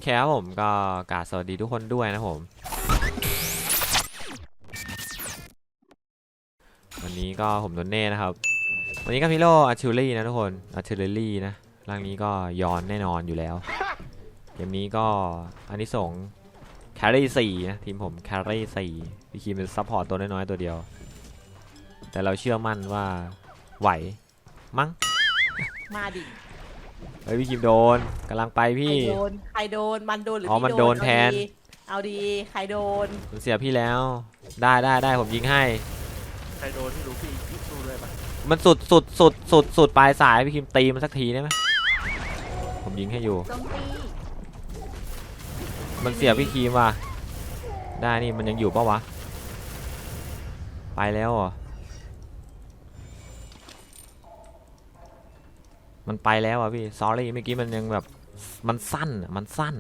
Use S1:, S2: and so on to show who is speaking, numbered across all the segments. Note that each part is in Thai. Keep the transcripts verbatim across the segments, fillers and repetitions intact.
S1: แค่ผมก็กราบสวัสดีทุกคนด้วยนะผมวันนี้ก็ผมโดนเน่นะครับวันนี้ก็พิโลอาร์ชิลลี่นะทุกคนอาร์ชิลลี่นะร่างนี้ก็ย้อนแน่นอนอยู่แล้วเกมนี้ก็อันนี้ส่งแครี่สี่นะทีมผมแครี่สี่พี่คิมเป็นซัพพอร์ตตัวน้อยๆตัวเดียวแต่เราเชื่อมั่นว่าไหวมั้ง
S2: มาดิ
S1: เฮ้ยพี่คิมโดนกำลังไปพี่
S2: ใครโดนใครโดนมันโดนหรือ
S1: อ๋อมันโดนแทน
S2: เอาดีใครโดน
S1: มันเสียพี่แล้วได้ได้ได้ผมยิงให้
S3: ใครโดนที่รู้พี่ยิงสู้เลยปะ
S1: มันสุดสุดสุดสุดสุดปลายสายพี่คิมตีมันสักทีได้ไหมผมยิงให้อยู่มันเสียพี่คิมว่ะได้นี่มันยังอยู่ปะวะไปแล้วเหรอมันไปแล้วอ่ะพี่ sorry เมื่อกี้มันยังแบบมันสั้นมันสั้น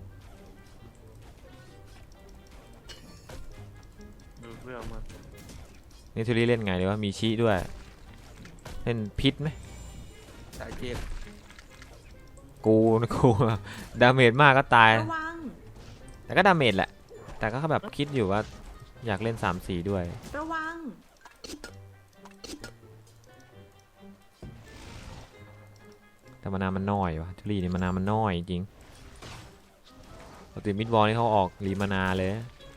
S3: ดูเรื่องมัน
S1: นี่ทูรี่เล่นไงเลยวะมีชี้ด้วยเล่นพิษไหม
S3: สายเจ็บ
S1: กูกูดาเมจมากก็ตายแต่ก็ดาเมจแหละแต่ก็แบบคิดอยู่ว่าอยากเล่น สามสี่ ด้วย
S2: ระวัง
S1: แต่มานามันน้อยวะทูรี่นี่มานามันน้อยจริงปกติมิดวอลนี่เขาออกรีมานาเลย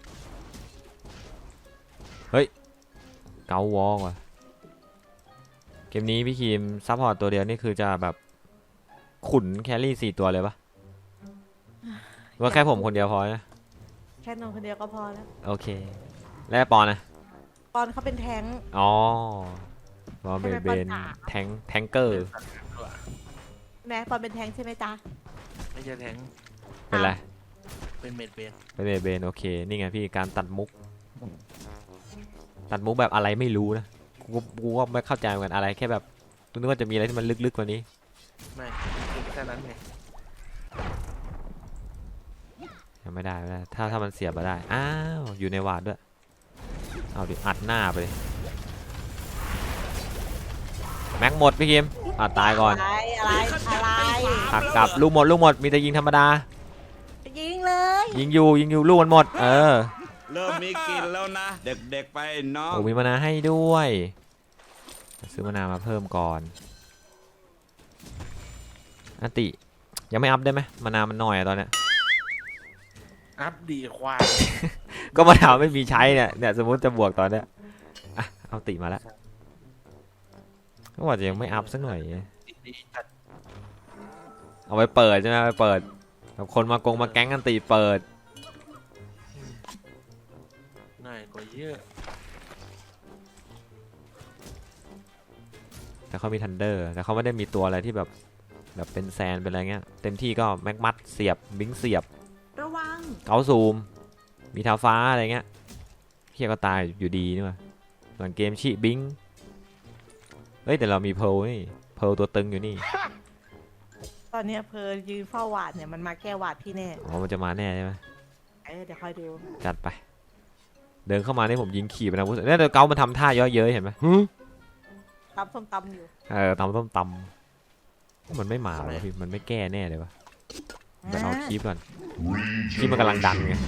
S1: เฮ้ยเกาวอลว่ะเกมนี้พี่คิมซัพพอร์ตตัวเดียวนี่คือจะแบบขุนแครี่สี่ตัวเลยปะว่าแค่ผมคนเดียวพอนะ
S2: แค่นอนคนเดียวก็พอแล้ว
S1: โอเคแล้วปอนนะ
S2: ปอนเขาเป็นแทง
S1: อ๋อปอนเป็นเป็นแทงแทงเกอร์
S2: แม่ปอนเป็นแทงใช่ไหมจ๊ะ
S3: ไม่ใช่แทง
S1: เป็นไร
S3: เป็นเมดเบน
S1: เป็นเมดเบนโอเคนี่ไงพี่การตัดมุกตัดมุกแบบอะไรไม่รู้นะกูกูก็ไม่เข้าใจเหมือนกันอะไรแค่แบบนึกว่าจะมีอะไรที่มันลึกๆกว่านี้
S3: ไม่แค่นั้นไง
S1: ยังไม่ได้ไม่ได้ถ้าถ้ามันเสียบมาได้อ้าวอยู่ในวาดด้วยเอาดิอัดหน้าไปเลยแม็กหมดพี่คิมอ่ะตายก่อน
S2: อะไรอะไรอะไร
S1: หักกลับลูกหมดลูกหมดมีแต่ยิงธรรมดา
S2: ยิงเลย
S1: ยิงอยู่ยิงอยู่ลูกมันหมดเออ
S4: เริ่มมีกินแล้วนะเด็กๆไปน้อง
S1: โอ้มีมานาให้ด้วยซื้อมานามาเพิ่มก่อนอันติยังไม่อัพได้ไหมมานามันน้อยอะตอนเนี้ย
S3: อัพดีควาย
S1: ก็มาถามไม่มีใช้เนี่ยเนี่ยสมมติจะบวกตอนเนี้ยอ่ะเอาติมาแล้วก็ว่าจะยังไม่อัพสักหน่อยเอาไปเปิดใช่ไหมไปเปิดแบบคนมากงมาแก๊งกันตีเปิด
S3: ง่ายกว่าเยอะ
S1: แต่เขามีทันเดอร์แต่เขาไม่ได้มีตัวอะไรที่แบบแบบเป็นแซนเป็นอะไรเงี้ยเต็มที่ก็แม็กมัดเสียบบิงเสียบ
S2: ระวัง
S1: เกาซูมมีท้าฟ้าอะไรเงี้ยเฮียก็ตายอยู่ดีนี่ว่ะหลังเกมชิบิงเฮ้ยแต่เรามีเพลนี่เพลตัวตึงอยู่นี่
S2: ตอนนี้เพลยืนเฝ้าหวาดเนี่ยมันมาแก้หวาดพี่แน่
S1: อ๋อมันจะมาแน่ใช่ไหม
S2: เออเดี๋ยวคอยดู
S1: จัดไปเดินเข้ามานี่ผมยิงขี่ไปนะพุทธเนี่ยเดี๋ยวเกามันทำท่าเยอะเย้ยเห็นไหม
S2: ตำส้มตำอยู่
S1: เออตำส้มตำมันไม่มาเลยพี่มันไม่แก้แน่เลยวะไปเอาคีบก่อนคีบมันกำลังดังไง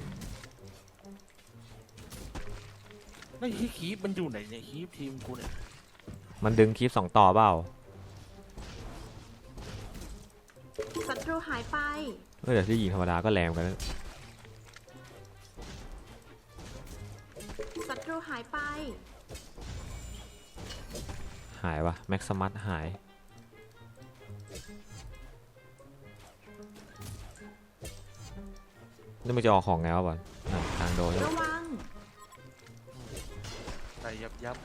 S3: ไอ้คีบมันอยู่ไหนเนี่ยคีบทีมกูเนี่ย
S1: มันดึงคีบสองต่อเปล่า
S2: ศัตรูหายไป
S1: เออแต่ที่ยิงธรรมดาก็แรงกัน
S2: ศัตรูหายไป
S1: หายวะแม็กซ์มัตหายนี่มันจะออกของไงวะบอลทางโดน
S2: ระวัง
S3: ใส่ยับยับ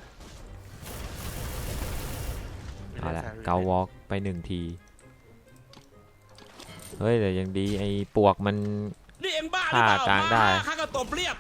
S1: เอาละเกาวอล์กไปหนึ่งทีเฮ้ยแต่ยังดีไอ้ปวกมันฆ่ากลางได้
S4: ข้าก็ตบเรียบ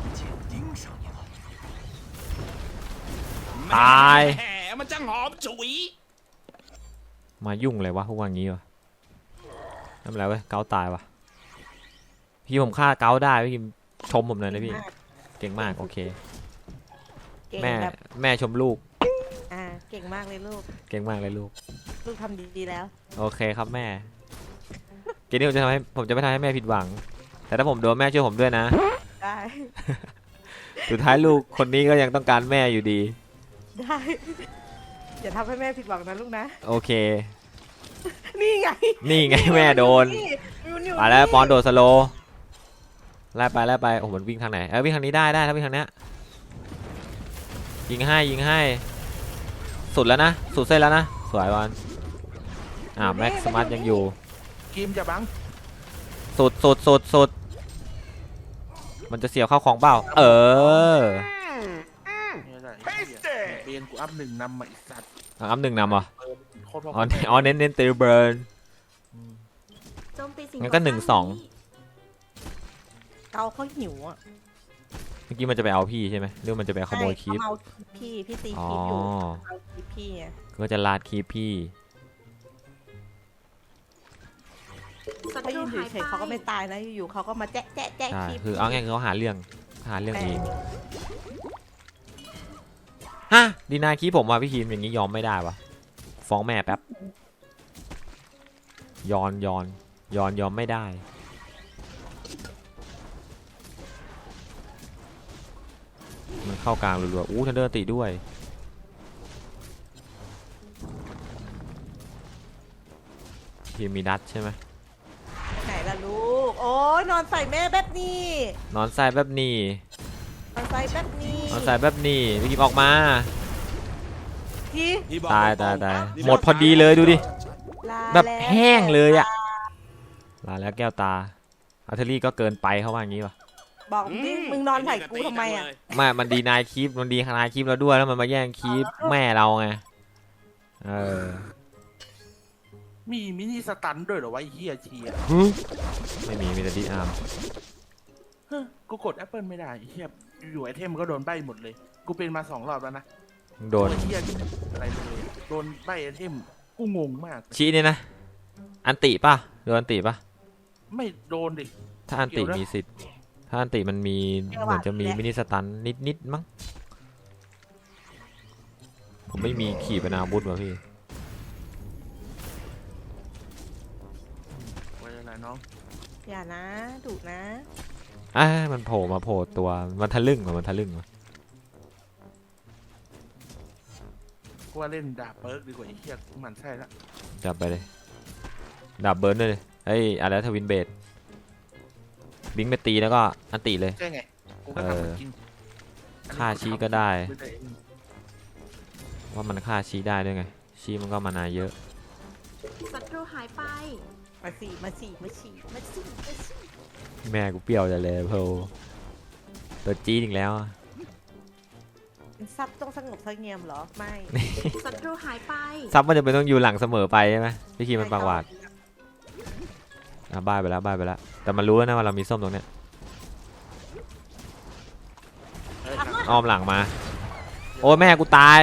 S1: ตาย
S4: แหมมันจังหอมฉุย
S1: มายุ่งเลยวะพวกอย่างงี้วะทำอะไรเว้ยเกาตายวะพี่ผมฆ่าเกาได้พี่ชมผมเลยนะพี่เก่งมากโอเคแม่แม่ชมลูก
S2: อ่าเก่งมากเลยลูก
S1: เก่งมากเลยลูก
S2: ลูกทำดีๆแล้ว
S1: โอเคครับแม่เกมนี้ผมจะทำให้ผมจะไม่ทำให้แม่ผิดหวัง แต่ถ้าผมโดนแม่ช่วยผมด้วยนะ
S2: ได้
S1: สุดท้ายลูกคนนี้ก็ยังต้องการแม่อยู่ดี
S2: ได้อย่าทำให้แม่ผิดหวังนะลูกนะ
S1: โอเค
S2: นี่ไง
S1: นี่ไงแม่โดน
S2: มันอยู่
S1: ไปแล้วปอนโดดสโลว์ไล่ไปไล่ไปโอ้โหมันวิ่งทางไหนเออวิ่งทางนี้ได้ได้ถ้าวิ่งทางเนี้ยยิงให้ยิงให้สุดแล้วนะสุดเส้นแล้วนะสวยบอลอ่าแม็กซ์มาร์ยังอยู่
S3: กีมจะบัง
S1: สุดสุดสุดสุดมันจะเสียบเข้าของเปล่าเออ
S3: เนี่ยแหละไอ้เหี้ยเบียนกูอัพหนึ่งนำมาอีกสัตว์
S1: อัพหนึ่งนำเหรอ
S3: เออโคตรพ่อ
S1: อ๋ออ๋อเน้นเน้นตีเบิร์น
S5: โจมตีสิ่
S1: งั้นก็หนึ่งสอง
S2: เกาเขาหิวอ่ะ
S1: เมื่อกี้มันจะไปเอาพี่ใช่ไหมหรือมันจะไปขโมยคลิป
S2: ใช่เขาเอาพี่พี่ตี
S1: อ๋อ
S2: คลิปอยู่เอาคลิปพี่ไง
S1: ก็จะลาดคลิปพี่
S5: ศัต
S2: เขา
S5: รู
S2: ยืน
S5: หาย
S2: เฉยๆเขาก็ไม่ตายนะอยู่ๆเขาก็มาแจ๊ะแจ๊ะแจ๊ะ
S1: ใช่
S2: คลิป
S1: คือเอาไงคือเขาหาเรื่องหาเรื่องเองฮะดีนายคลิปผมว่ะพี่คิมอย่างนี้ยอมไม่ได้วะฟ้องแม่แป๊บยอนยอนยอนยอมไม่ได้มันเข้ากลางรัวๆอู้ทันเดอร์ตีด้วยทีมมีดัตใช่ไหม
S2: ไหนล่ะลูกโอ้ยนอนใส่แม่แบบนี้
S1: นอนใส่แบบนี้
S2: นอนใส่แบบนี้
S1: นอนใส่แบบนี้พี่คิมออกมา
S2: พี่
S4: พี่บอก
S1: ตาย
S4: ตรง
S1: ตาย
S4: ๆ
S1: ตาย
S4: นี่
S1: หมดพอดีเลยดูดิ
S2: ลา
S1: แบบ
S2: ล้ว
S1: แห้งเลยอะ ลาแล้วแก้วตาอาร์เทอรี่ก็เกินไปเขาว่าอย่างนี้ป่ะ
S2: บอกดิมึงนอนใส่กูทำไมอ่ะ
S1: ไม่มันดีนายคลิปมันดีขนาดคลิปเราด้วยแล้วมันมาแย่งคลิปแม่เราไงเออ
S3: มีมินิสตันด้วยเหรอวะไอ้เฮียเชีย
S1: ไม่มีมีแต่ดีอาร์ม
S3: เฮ้ยกูกดแอปเปิลไม่ได้ไอ้เฮียอยู่ไอเทมมันก็โดนใบหมดเลย กูเป็นมาสองรอบแล้วนะ
S1: โดน
S3: ไอ้เฮียอะไรเลยโดนใบไอเทมกูงงมาก
S1: ชี้เนี่ยนะ อันติป่ะโดนอันติป่ะ
S3: ไม่โดนดิ
S1: ถ้าอันติมีสิทธิ์ถ้าอันติมันมีเหมือนจะมีมินิสตันนิดนิดๆมั้งผมไม่มีขี่เป็นอาวุธว่ะพี่
S3: ไว้อะไรน้อง
S2: อย่านะดุนะ
S1: อ่ะมันโผล่มาโผล่ตัวมันทะลึ่งว่ะมันทะลึ่งว่ะ
S3: กูว่าเล่นดาบเปิร์กดีกว่าไอ้เฮียกูหมันใช่ละ
S1: จับไปเลยดับเบิร์นด้วยเลยเฮ้ยอะไรทวินเบดบิงไปตีแล้วก็อันติเลย
S3: ใช่ไงกูก็ทำมันจริง
S1: ฆ่าชี้ก็ได้ ว่ามันฆ่าชี้ได้ด้วยไง ชี้มันก็มานาเยอะ
S5: ศัตรูหายไป
S2: มาสี่มาสี่มาสี่มาสี่มาสี่
S1: แม่กูเปรี้ยวจะเลยเพลตัวจี๊ดอีกแล้วอะ
S2: เป็นซับต้องสงบเสงี่ยมเหรอไม่
S5: ศัตรูหายไป
S1: ซับมันจะเป็นต้องอยู่หลังเสมอไปใช่ไหมพี่คีมันปากหวาดอ่ะบ้ายไปแล้วบ้ายไปแล้วแต่มันรู้แล้วนะว่าเรามีส้มตรงเนี้ย
S3: เฮ้ย
S1: อ้อมหลังมา โอ้ยแม่กูตาย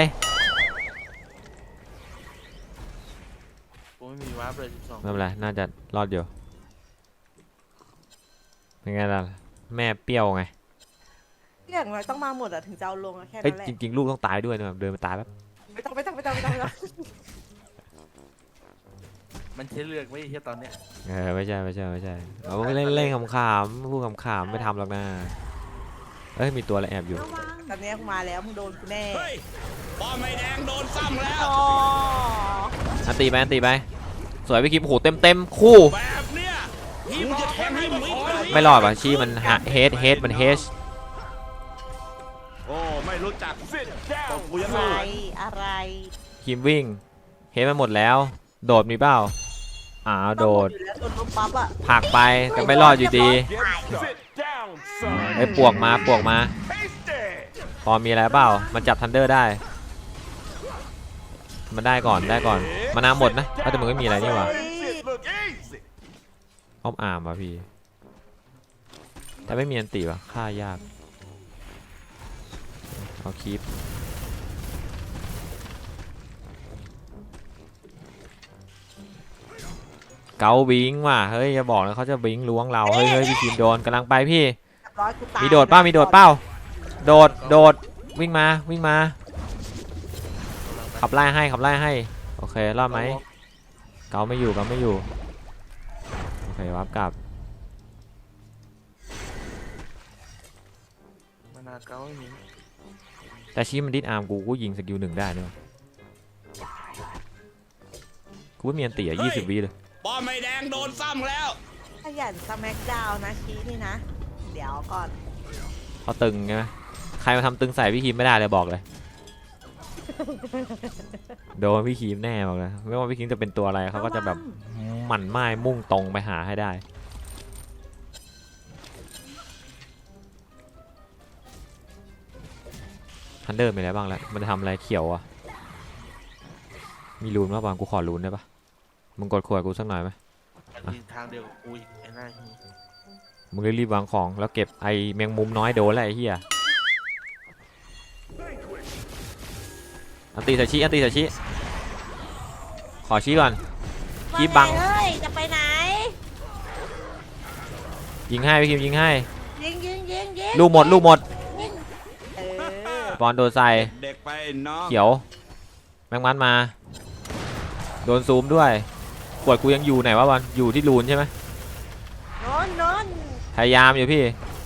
S3: กูไม่มีวาร์ปเลยสิบสอง
S1: ไม่เป็นไรน่าจะรอดอยู่เป็นไงล่ะแม่เปรี้ยวไง
S2: อย่างไรต้องมาหมดอะถึงจะเอาลงอะแค่
S1: เอ้ย
S2: นั้นแหละ
S1: จริงๆลูกต้องตายด้วยนะเดินมาตายแบบ
S2: ไม่ต้องไม่ต้องไม่ต้องไม่ต้องไม่ต้อง
S3: มันใช้เลือกไว้ไอ้เฮียตอนเนี้ย
S1: เออไม่ใช่ไม่ใช่ไม่ใช่เราเล่นเล่นขำๆพูดขำๆไม่ทำหรอกนะเอ้ยมีตัวอะไรแอบอยู่
S5: ระวัง
S2: ตอนเนี้ยกูมาแล้วมึงโดนกูแน่
S4: เฮ้ยปอมไม่แดงโดนซ้ำแล้ว
S2: อ๋อ
S1: อันตีไปอันตีไปสวยพี่คิมโอ้โหเต็มเต็มคู่
S4: แบบเนี้ยพี่บอกจะแทงให้มิดเลย
S1: ไม่รอดว่ะชี้มันเฮดเฮดมันเฮช
S4: โอ้ไม่รู้จักตบกูยัง
S2: อะไร
S4: ไง
S2: อะไร
S1: คิมวิ่งเฮดมันหมดแล้ว โดดมีเปล่าอ้าวโดด
S2: ต้องหมอยู่แล้วโดนลบปั๊บอะ
S1: ผลักไปแต่ไม่รอดอยู่ดีไอ้ยปวกมาปวกมา พอมีอะไรเปล่ามันจับทันเดอร์ได้ มันได้ก่อนได้ก่อนมานาหมดนะแต่มึงไม่มีอะไรนี่หว่า
S2: เฮ้ย
S1: อ้อมอาร์มว่ะพี่ แต่ไม่มีอันติว่ะฆ่ายากเอาคีปเกาบิงว่ะเฮ้ยอย่าบอกนะเขาจะบิงล้วงเราเฮ้ยเฮ้ยพี่คิมโดนกำลังไปพี่
S2: เรียบร้อยกูตาย
S1: มีโดดเป้ามีโดดเป้าโดดโดดวิ่งมาวิ่งมาขับไล่ให้ขับไล่ให้โอเครอดไหมเกาไม่อยู่เกาไม่อยู่โอเควับกลับ
S3: มานาเก้าไม่มี
S1: แต่ชี้มันดิสอาร์มกูกูยิงสกิลหนึ่งได้เนี่ยกูไม่มีอันตีอ่ะยี่สิบวิเลย
S4: ป้อมไม่แดงโดนซ้ำแล้ว
S2: ขยันสแมกดาวนะชี้นี่นะ เดี๋ยวก่อน
S1: เขาตึงไงใครมาทำตึงใส่พี่คีมไม่ได้เลยบอกเลย โดนพี่คีมแน่บอกเลยไม่ว่าพี่คีมจะเป็นตัวอะไรเขาก็จะแบบหมั่นไม้มุ่งตรงไปหาให้ได้ทันเดอร์มีอะไรบ้างแล้วมันจะทำอะไรเขียวอ่ะมีรูนป่ะบางกูขอรูนได้ปะมึงกดขวดกูสักหน่อยไหม
S3: อันนี้ทางเดียวกับกูอีกไอ้หน้าหี
S1: มึงรีบๆวางของแล้วเก็บไอ้แมงมุมน้อยโดนแล้วไอ้เหี้ยอันตีสาชิอันตีสาชิขอชี้ก่อน คีบบัง
S2: ว่าไเอ้ยจะไปไหน
S1: ยิงให้พี่คิมยิงให้
S2: ยิงยิงยิงยิง
S1: ลูกหมดลูกหมด
S2: ยิงเออ
S1: บอลโดนใส่
S4: เด็กไปน้อง
S1: เขียวแมงมันมาโดนซูมด้วยขวดกูยังอยู่ไหนวะบอลอยู่ที่รูนใช่ไหม
S2: โนนโนน
S1: พยายามอยู่พี่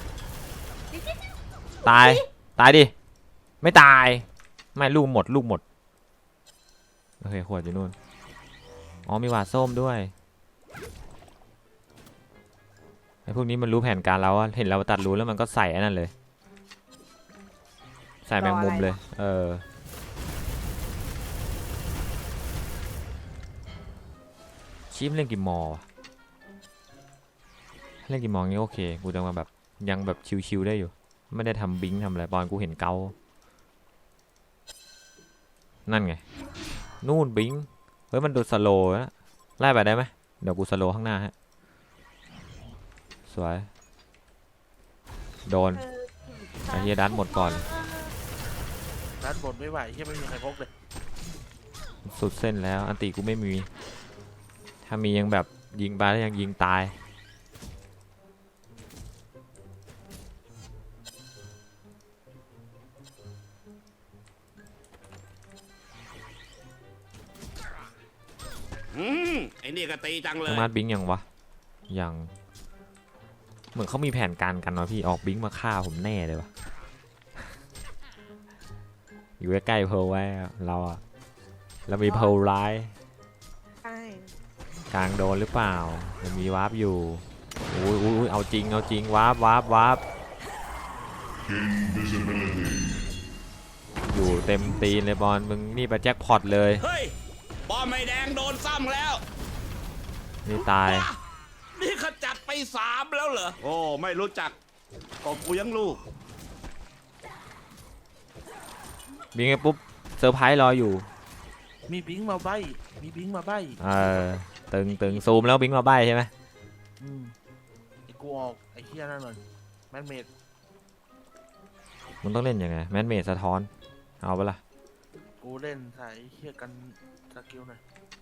S1: ตายตายดิไม่ตายไม่ลูกหมดลูกหมดโอเคขวดอยู่นู่นอ๋อมีหวาดส้มด้วยไอ้พวกนี้มันรู้แผนการเราอะเห็นเราตัดรูแล้วมันก็ใส่อันนั้นเลยใส่แมงมุมเลยเออชิมเล่นกี่มอวะเล่นกี่มองี้โอเคกูจะมาแบบยังแบบชิวๆได้อยู่ไม่ได้ทำบิงทำอะไรบอลกูเห็นเกานั่นไงนู่นบิงเฮ้ยมันโดนสโลว์นะไล่ไปได้ไหมเดี๋ยวกูสโลว์ข้างหน้าฮะสวยโดนไอ้เฮียดันหมดก่อน
S3: ด้านบนไม่ไหวที่ไม่มีใครพกเลย
S1: สุดเส้นแล้วอันติกูไม่มีถ้ามียังแบบยิงไปแล้วยังยิงตาย
S4: อืมไอ้นี่ก็ตีจังเล
S1: น้อย งมาร์ทบิงยังวะยังเหมือนเขามีแผนการกันวะพี่ออกบิงมาฆ่าผมแน่เลยวะ อยู่ใกล้ๆเพลไว้อะเราอะเรามีเพลร้าย
S2: ใช่
S1: กลางโดนหรือเปล่ามันมีวาร์ปอยู่อุ้ยอุ้ยเอาจริงเอาจริงวาร์ปวาร์ปวาร์ปอยู่เต็มตีนเลยบอลมึงนี่ไปแจ็คพอตเลย
S4: เฮ้ยป้อมไม่แดงโดนซ้ำแล้ว
S1: นี่ตาย
S4: ว้านี่ขจัดไปสามแล้วเหรอ โอ้ ไม่รู้จักตบกูยังลูก
S1: บิงไงปุ๊บเซอร์ไพรส์รออยู่
S3: มีบิงมาใบมีบิงมาใบ
S1: เออตึงตึงซูมแล้วบิงมาใบใช่ไหม
S3: อืมไอ้กูออกไอ้เฮียนั่นหน่อยแมนเมด
S1: มึงต้องเล่นยังไงแมนเมดสะท้อนเอาปะล่ะ
S3: กูเล่นใส่เฮียกันสกิลหน่อย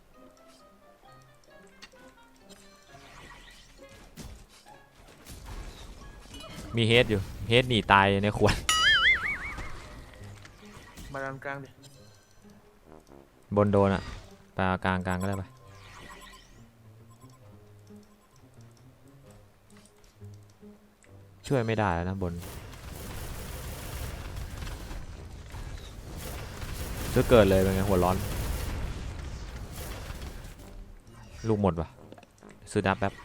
S1: มีเฮดอยู่เฮดหนีตายในขวด
S3: มาดันกลางดิ
S1: บนโดนอะไปเอากลางกลางก็ได้ไปช่วยไม่ได้แล้วนะบนจะเกิดเลยเป็นไงหัวร้อนลูกหมดวะซื้อดับแป๊บ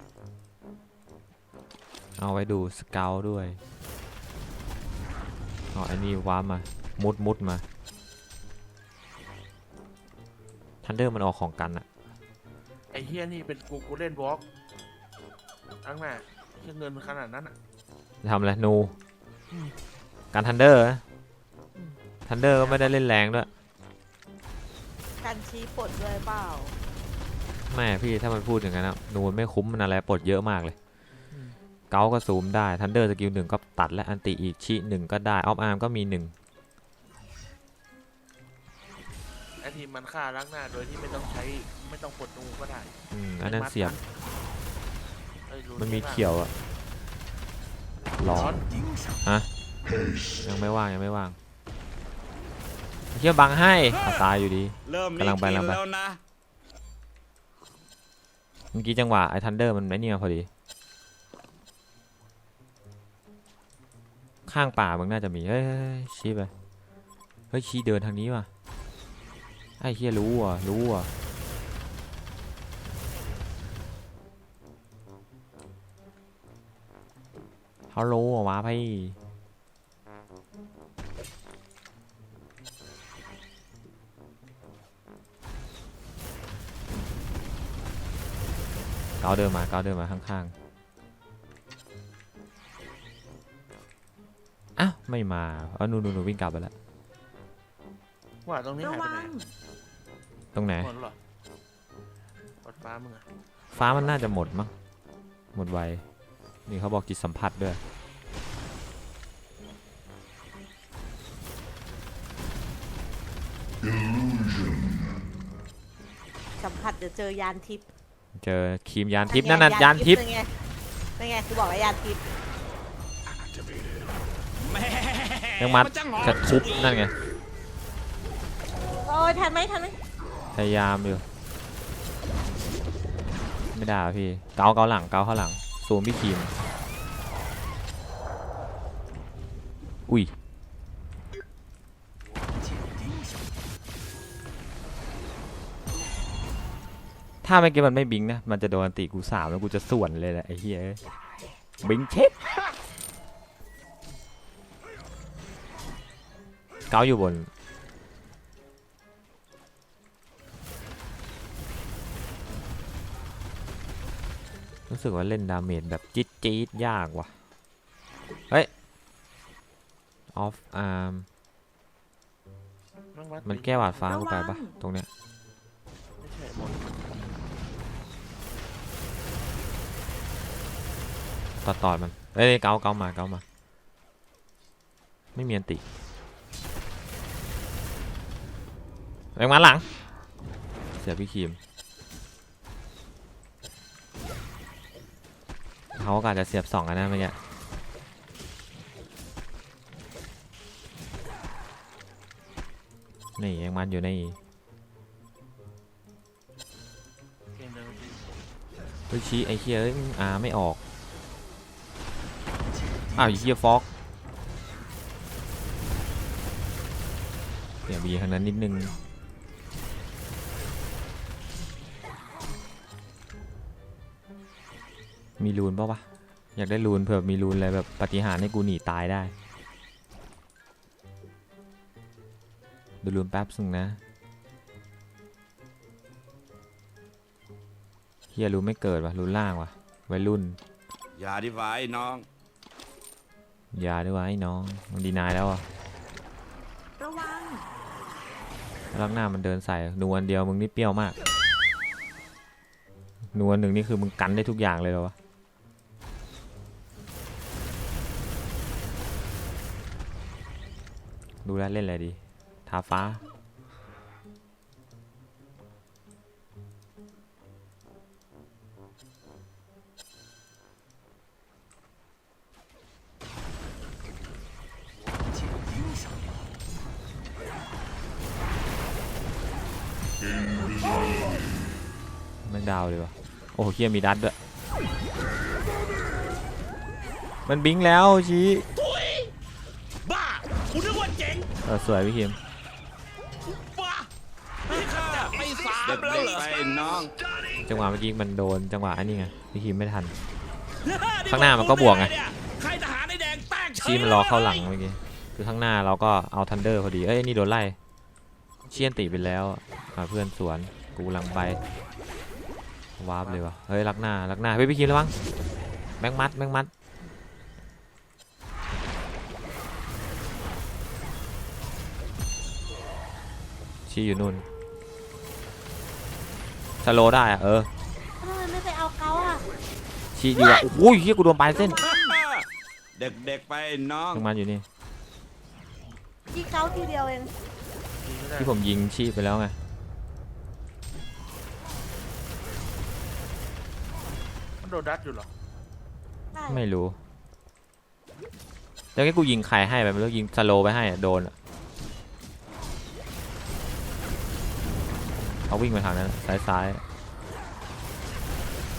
S1: เอาไว้ดูสเกลด้วยอ๋อไอ้นี่ว้ามามุดมุดมาทันเดอร์มันออกของกันอะ
S3: ไอ้เฮียนี่เป็นกูกูเล่นวอล์กทั้งน่ะเฮียเงินขนาดนั้นอ่ะ
S1: ทำอะไรนู
S3: อืม
S1: การทันเดอร์ทันเดอร์ก็ไม่ได้เล่นแรงด้วย
S2: การชี้ปลดด้วยเปล่า
S1: แม่พี่ถ้ามันพูดอย่างนั้นนะนูมันไม่คุ้มมันอะไรปลดเยอะมากเลยเกาก็ซูมได้ทันเดอร์สกิลหนึ่งก็ตัดและอันติอีกชีหนึ่งก็ได้ออฟอาร์มก็มีหนึ่ง
S3: ไอ้ทีมมันฆ่าล้างหน้าโดยที่ไม่ต้องใช้ไม่ต้องปลดนูก็ได้
S1: อืมอันนั้นเสียบ
S3: เอ้ยรู้
S1: มันมี
S3: ใช่ปะ
S1: เขียวอะหลอ
S3: ร้อน น
S1: ฮะยังไม่ว่างยังไม่ว่างเชี่ยบังให้อ่ะตายอยู่ดี
S4: เริ่มมี
S1: กำลังไป
S4: กิน
S1: กำลังไป
S4: แล้วนะ
S1: เมื่อกี้จังหวะไอ้ทันเดอร์มันไม่เนี่ยพอดีข้างป่ามันน่าจะมีเฮ้ยชี้ไปเฮ้ยชี้เดินทางนี้ว่ะไอ้เฮียรู้อ่ะรู้อ่ะเขารู้อ่ะวะพี่เกาเดินมาเกาเดินมาข้างๆอ้าวไม่มาเออนูนูนูวิ่งกลับไปแล้ว
S3: ว่าตรงนี้
S5: ระ
S3: หายไป
S5: วั
S3: ไหน
S5: ง
S1: ตรงไหน
S3: หมดเหรอหมดฟ้ามึงอะ
S1: ฟ้ามันน่าจะหมดมั้งหมดไวนี่เขาบอกจิตสัมผัสด้วย
S2: สัมผัสเดี๋ยวเจอยานทิพย์
S1: เจอครีมยานทิพย์นั่นน่ะยานทิพย์
S2: นั่นไงนั่นไงกูบอกว่ายานทิพย์
S4: แม่
S1: ยังมัด
S4: นจะหงอ
S1: จะทุบนั่นไง
S2: โอ้ยทันไหมทันไหม
S1: พยายามอยู่ไม่ได้อะพี่เกาเกาหลังเกาข้างหลังซูมพี่ครีมอุ้ยถ้าเมื่อกี้มันไม่บิงนะมันจะโดนอันติกูสามแล้วกูจะส่วนเลยแหละไอ้เหี้ยเอ้ยบิงเช็ดเกาอยู่บนรู้สึกว่าเล่นดาเมจแบบจี๊ดจี๊ดยากว่ะเฮ้ยออฟอาร์ม
S3: แงวัด
S1: มันแก้หวาดฟ้ากูไปปะตรงเนี้ย
S3: ไม่ใช่หมด
S1: ตอดตอดมันเอ้ยเกาเกามาเกามาไม่มีอันติแรงมาหลังเสียพี่ครีมเขาก็อาจจะเสียบสองกันนะเมื่อกี้นี่ยังมันอยู่ใน
S3: เกมเดิมจริง
S1: เฮ้ยชี้ไอ้เคียเอ้ยอ่าไม่ออกอ้าวไอ้เคียฟอกเดี๋ยวบีทางนั้นนิดนึงมีรูนป่าววะอยากได้รูนเผื่อมีรูนอะไรแบบปาฏิหาริย์ให้กูหนีตายได้ดูรูนแป๊บนึงนะเฮียรูนไม่เกิดวะรูนล่างวะวัยรุ่น
S4: อย่าดิไว้น้อง
S1: อย่าด้วยวะไอ้น้องมันดีนายแล้วอ่ะ
S5: ระวัง
S1: ลักหน้ามันเดินใส่นวลเดียวมึงนี่เปรี้ยวมากนวลหนึ่งนี่คือมึงกันได้ทุกอย่างเลยเหรอวะดูแลวเล่นอะไรดีทาฟ้าแม่งดาวเลยวะโอ้โหเคียมีดัดด้วยมันบิงแล้วชี้
S4: บ้าคุณนึกว่าเจ๋ง
S1: เออสวยพี่คิม
S4: บ้านี่ข้าจับไปสามแล้วเหรอไปน้อง
S1: จังหวะเมื่อกี้มันโดนจังหวะอันนี้ไงพี่คิมไม่ทัน ข้างหน้ามันก็บวกไง
S4: ใครทหารในแดงแตกเฉย
S1: ชี้มันรอเข้าหลังเมื่อกี้คือข้างหน้าเราก็เอาทันเดอร์พอดีเอ้ยนี่โดนไล่เชี่ยนตีไปแล้วอ่าเพื่อนสวนกูกำลังไปวาร์ปเลยวะเฮ้ยลักหน้าลักหน้าเฮ้ยพี่คิมระวังแบงมัดแบงมัดชี้อยู่นู่นสโลว์ได้อะเออ
S2: ทำไมไม่ไปเอาเขาอ่ะ
S1: ชี้อยู่อะโอ้ยเฮียกูโดนปลายเส้น
S4: เด็กๆไปน้อง
S1: แบงมัดอยู่นี่
S2: ยิงเขาทีเดียวเอง
S3: ดีไม่ได้
S1: ที่ผมยิงชี้ไปแล้วไง
S3: มันโดนดัดอยู่เหรอ
S2: ใช่
S1: ไม่รู้แล้วก็กูยิงใครให้ไปไม่รู้ยิงสโลว์ไปให้อะโดนอะเขาวิ่งไปทางนั้นซ้ายซ้าย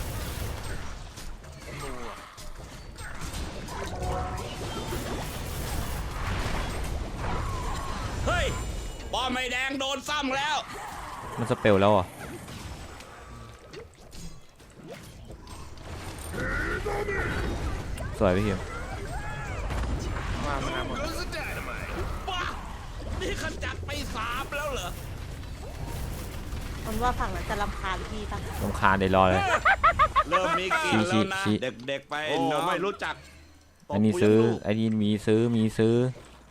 S4: ไม่แดงโดนซ้ำแล้ว
S1: มันสเปลแล้วเหรอ่ะสวยพี่คิว
S3: มามาหมด
S4: บ้านี่ขจัดไปสามแล้วเหรอ
S2: มันว่าฝั่งนั้นจะรำคาญพี่ปะ
S1: รำคาญเดี๋ยวรอเลย
S4: เริ่มมีกลินแล้วนะ
S1: ชี้
S4: เด็กๆไปโอ้ไม่รู้จัก
S1: อันนี้ซื้ออันนี้มีซื้อมีซื้อ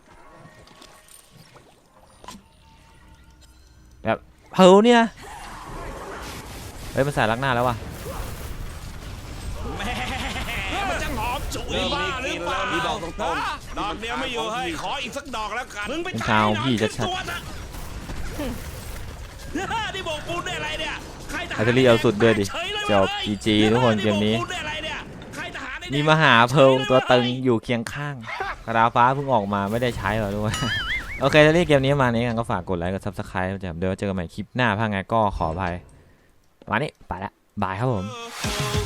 S1: แบบเฮ้ยเนี่ยเฮ้ยมันใส่ลักหน้าแล้วว่ะ
S4: แม่มันจังหอมฉุยบ้าหรือเปล่าพี่บอกตรงๆดอกเดียวไม่อยู่เฮ้ยขออีกสักดอกแล้วกันมึงไป
S1: เป็น
S4: ถ่า
S1: ชาวย
S4: หนัง
S1: พี่
S4: ขึ้น
S1: ชัด
S4: ตัวนะนี่บอกปูนได้อะไรเนี่ยใครท
S1: ๆ
S4: หา
S1: อัลเทอรี่เอาสุดด้วยดิ
S4: ฉยเลย
S1: จบ จี จี ทุกคนเกมนี้
S4: บอกปูได้อะไรเนี่ยใครทหารได้
S1: มี
S4: เนี่ย
S1: มหาเพลิงตัวตึงอยู่เคียงข้างกระดาฟ้าเพิ่งออกมาไม่ได้ใช้หรอกด้วย โอเคถ้าเล่นเกมนี้มานี้กันก็ฝากกดไลค์กดซับสไครต์เดี๋ยวเจอกันใหม่คลิปหน้าถ้าไงก็ขออภัยวันนี้ไปละบายครับผม
S4: เออ